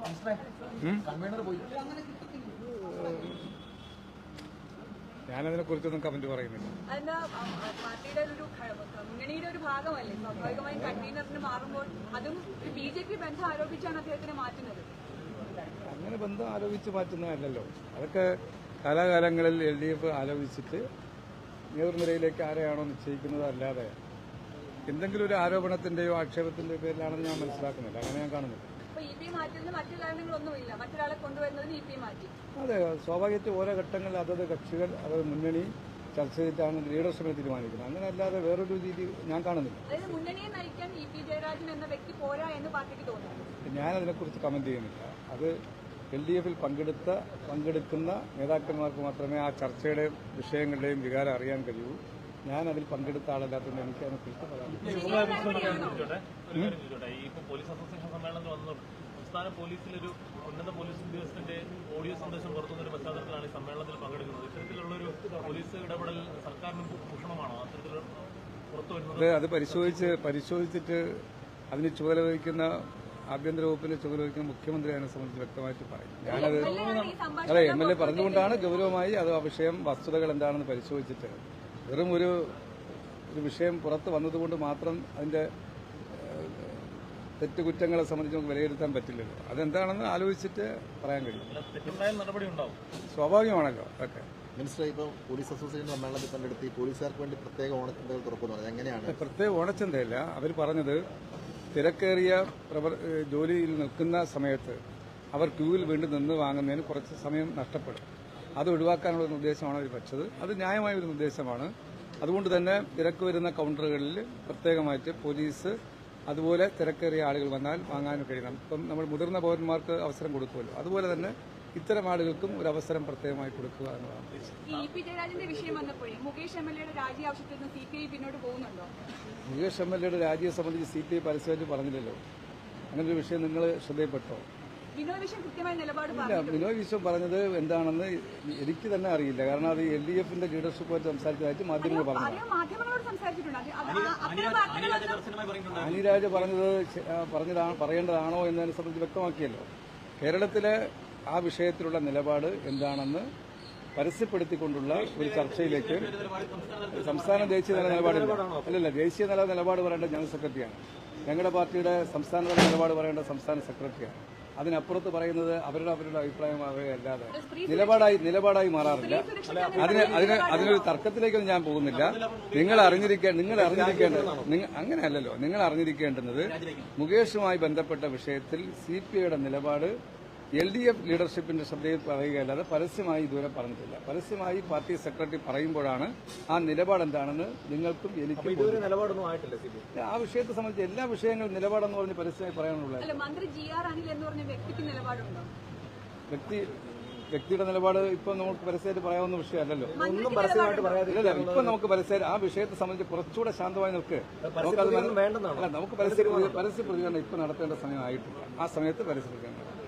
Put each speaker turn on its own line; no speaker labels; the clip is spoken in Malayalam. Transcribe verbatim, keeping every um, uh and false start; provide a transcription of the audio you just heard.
ഞാനതിനെ കുറിച്ചൊന്നും കമന്റ് പറയുന്നില്ല.
പാർട്ടിയുടെ ഒരു മുന്നണിയുടെ ഒരു ഭാഗമല്ലേ, സ്വാഭാവികമായും കൺവീനറിന് മാറുമ്പോൾ അതും ബി ജെ പി ബന്ധം ആരോപിച്ചാണ് അദ്ദേഹത്തിനെ മാറ്റുന്നത്.
അങ്ങനെ ബന്ധം ആരോപിച്ച് മാറ്റുന്നതല്ലല്ലോ, അതൊക്കെ കാലാകാലങ്ങളിൽ എൽ ഡി എഫ് ആലോചിച്ചിട്ട് നേതൃനിരയിലേക്ക് ആരെയാണോ നിശ്ചയിക്കുന്നത്, അല്ലാതെ എന്തെങ്കിലും ഒരു ആരോപണത്തിന്റെയോ ആക്ഷേപത്തിന്റെയോ പേരിലാണെന്ന് ഞാൻ മനസ്സിലാക്കുന്നില്ല. അങ്ങനെ ഞാൻ കാണുന്നില്ല. അതെ, സ്വാഭാവികമായിട്ട് ഓരോ ഘട്ടങ്ങളിൽ അതത് കക്ഷികൾ അതത് മുന്നണി ചർച്ച ചെയ്തിട്ടാണ് ലീഡർഷിപ്പിനെ തീരുമാനിക്കുന്നത്. അങ്ങനെ അല്ലാതെ വേറൊരു രീതി ഞാൻ കാണുന്നില്ല. ഞാനതിനെക്കുറിച്ച് കമന്റ് ചെയ്യുന്നില്ല. അത് എൽ ഡി എഫിൽ പങ്കെടുത്ത പങ്കെടുക്കുന്ന നേതാക്കന്മാർക്ക് മാത്രമേ ആ ചർച്ചയുടെ വിഷയങ്ങളുടെയും വികാരം അറിയാൻ കഴിയൂ. ഞാൻ അതിൽ പങ്കെടുത്ത ആളല്ലാത്തതുകൊണ്ട് എനിക്ക് അതിനെക്കുറിച്ച് പറയാം.
സംസ്ഥാന പോലീസിലൊരു ഉന്നത പോലീസ് ഉദ്യോഗസ്ഥന്റെ ഓഡിയോ സന്ദേശം പുറത്തുനിന്നൊരു പശ്ചാത്തലത്തിലാണ് ഈ സമ്മേളനത്തിൽ പങ്കെടുക്കുന്നത്. ഇത്തരത്തിലുള്ളൊരു പോലീസ് ഇടപെടൽ സർക്കാരിന് ഭൂഷണമാണോ? അത്തരത്തിൽ പുറത്തു വരുന്നത്
അത് പരിശോധിച്ച് പരിശോധിച്ചിട്ട് അതിന് ചുമതല വഹിക്കുന്ന ആഭ്യന്തര വകുപ്പിന് ചുമതല വഹിക്കുന്ന മുഖ്യമന്ത്രി അതിനെ സംബന്ധിച്ച് വ്യക്തമായിട്ട് പറയും. ഞാനത് അതെ എം എൽ എ പറഞ്ഞുകൊണ്ടാണ് ഗൗരവമായി അത് ആ വിഷയം വസ്തുതകൾ എന്താണെന്ന് പരിശോധിച്ചിട്ട്, വെറും ഒരു ഒരു വിഷയം പുറത്ത് വന്നതുകൊണ്ട് മാത്രം അതിന്റെ തെറ്റുകുറ്റങ്ങളെ സംബന്ധിച്ച് നമുക്ക് വിലയിരുത്താൻ പറ്റില്ലല്ലോ. അതെന്താണെന്ന് ആലോചിച്ചിട്ട് പറയാൻ കഴിയും. സ്വാഭാവികമാണല്ലോ അതൊക്കെ.
മിനിസ്റ്റർ, ഇപ്പോൾ പോലീസ് അസോസിയേഷൻ സമ്മേളനത്തിൽ പങ്കെടുത്ത് പോലീസുകാർക്ക് വേണ്ടി പ്രത്യേക ഓണച്ചന്തകൾ തുറക്കുന്നത് എങ്ങനെയാണ്?
പ്രത്യേക ഓണച്ചന്തയല്ല, അവർ പറഞ്ഞത് തിരക്കേറിയ ജോലിയിൽ നിൽക്കുന്ന സമയത്ത് അവർ ക്യൂവിൽ വീണ്ടും നിന്ന് വാങ്ങുന്നതിന് കുറച്ച് സമയം നഷ്ടപ്പെടും. അത് ഒഴിവാക്കാനുള്ള നിർദ്ദേശമാണ് അവർ വെച്ചത്. അത് ന്യായമായ ഒരു നിർദ്ദേശമാണ്. അതുകൊണ്ട് തന്നെ തിരക്ക് വരുന്ന കൗണ്ടറുകളിൽ പ്രത്യേകമായിട്ട് പോലീസ് അതുപോലെ തിരക്കേറിയ ആളുകൾ വന്നാൽ വാങ്ങാൻ കഴിയണം. ഇപ്പം നമ്മൾ മുതിർന്ന പൗരന്മാർക്ക് അവസരം കൊടുക്കുമല്ലോ, അതുപോലെ തന്നെ ഇത്തരം ആളുകൾക്കും ഒരു അവസരം പ്രത്യേകമായി കൊടുക്കുക എന്നതാണ് ഉദ്ദേശിച്ചത്.
മുകേഷ് എം എൽ എയുടെ
രാജിയെ സംബന്ധിച്ച് സി പി ഐ പരസ്യമായിട്ട് പറഞ്ഞില്ലല്ലോ. അങ്ങനൊരു വിഷയം നിങ്ങൾ ശ്രദ്ധയിൽപ്പെട്ടോ? ഇല്ല, ബിനോയ് വിശ്വം പറഞ്ഞത് എന്താണെന്ന് എനിക്ക് തന്നെ അറിയില്ല. കാരണം അത് എൽ ഡി എഫിന്റെ ലീഡർഷിപ്പുമായിട്ട് സംസാരിച്ചതായിട്ട് മാധ്യമങ്ങൾ പറഞ്ഞു. അനിരാജ് പറഞ്ഞത് പറഞ്ഞതാണ് പറയേണ്ടതാണോ എന്നതിനെ സംബന്ധിച്ച് വ്യക്തമാക്കിയല്ലോ. കേരളത്തിലെ ആ വിഷയത്തിലുള്ള നിലപാട് എന്താണെന്ന് പരസ്യപ്പെടുത്തിക്കൊണ്ടുള്ള ഒരു ചർച്ചയിലേക്ക് സംസ്ഥാന ദേശീയ തല നിലപാടില്ല. അല്ലല്ല, ദേശീയ തല നിലപാട് പറയേണ്ട ജനറൽ സെക്രട്ടറിയാണ്. ഞങ്ങളുടെ പാർട്ടിയുടെ സംസ്ഥാനതല നിലപാട് പറയേണ്ട സംസ്ഥാന സെക്രട്ടറിയാണ്. അതിനപ്പുറത്ത് പറയുന്നത് അവരുടെ അവരുടെ അഭിപ്രായമാവുകയല്ലാതെ നിലപാടായി നിലപാടായി മാറാറില്ല. അതിന് അതിന് അതിനൊരു തർക്കത്തിലേക്കൊന്നും ഞാൻ പോകുന്നില്ല. നിങ്ങൾ അറിഞ്ഞിരിക്കേ നിങ്ങൾ അറിഞ്ഞിരിക്കേണ്ടത് അങ്ങനെയല്ലല്ലോ. നിങ്ങൾ അറിഞ്ഞിരിക്കേണ്ടുന്നത് മുകേഷുമായി ബന്ധപ്പെട്ട വിഷയത്തിൽ സി പി ഐയുടെ നിലപാട് എൽ ഡി എഫ് ലീഡർഷിപ്പിന്റെ ശ്രദ്ധയിൽ പറയുകയല്ലാതെ പരസ്യമായി ഇതുവരെ പറഞ്ഞിട്ടില്ല. പരസ്യമായി പാർട്ടി സെക്രട്ടറി പറയുമ്പോഴാണ് ആ നിലപാട് എന്താണെന്ന് നിങ്ങൾക്കും എനിക്കും. ആ വിഷയത്തെ സംബന്ധിച്ച് എല്ലാ വിഷയങ്ങളും നിലപാടെന്ന് പറഞ്ഞ് പരസ്യമായി പറയാനുള്ളത്. വ്യക്തി വ്യക്തിയുടെ നിലപാട് ഇപ്പൊ നമുക്ക് പരസ്യമായിട്ട് പറയാവുന്ന വിഷയമല്ലല്ലോ. ഇല്ല, ഇപ്പൊ നമുക്ക് പരസ്യമായിട്ട് ആ വിഷയത്തെ സംബന്ധിച്ച് കുറച്ചുകൂടെ ശാന്തമായി നിൽക്ക്. നമുക്കത് അല്ല, നമുക്ക് പരസ്യ പരസ്യ പ്രതികരണം ഇപ്പൊ നടത്തേണ്ട സമയമായിട്ടില്ല. ആ സമയത്ത് പരസ്യ പ്രതികരണം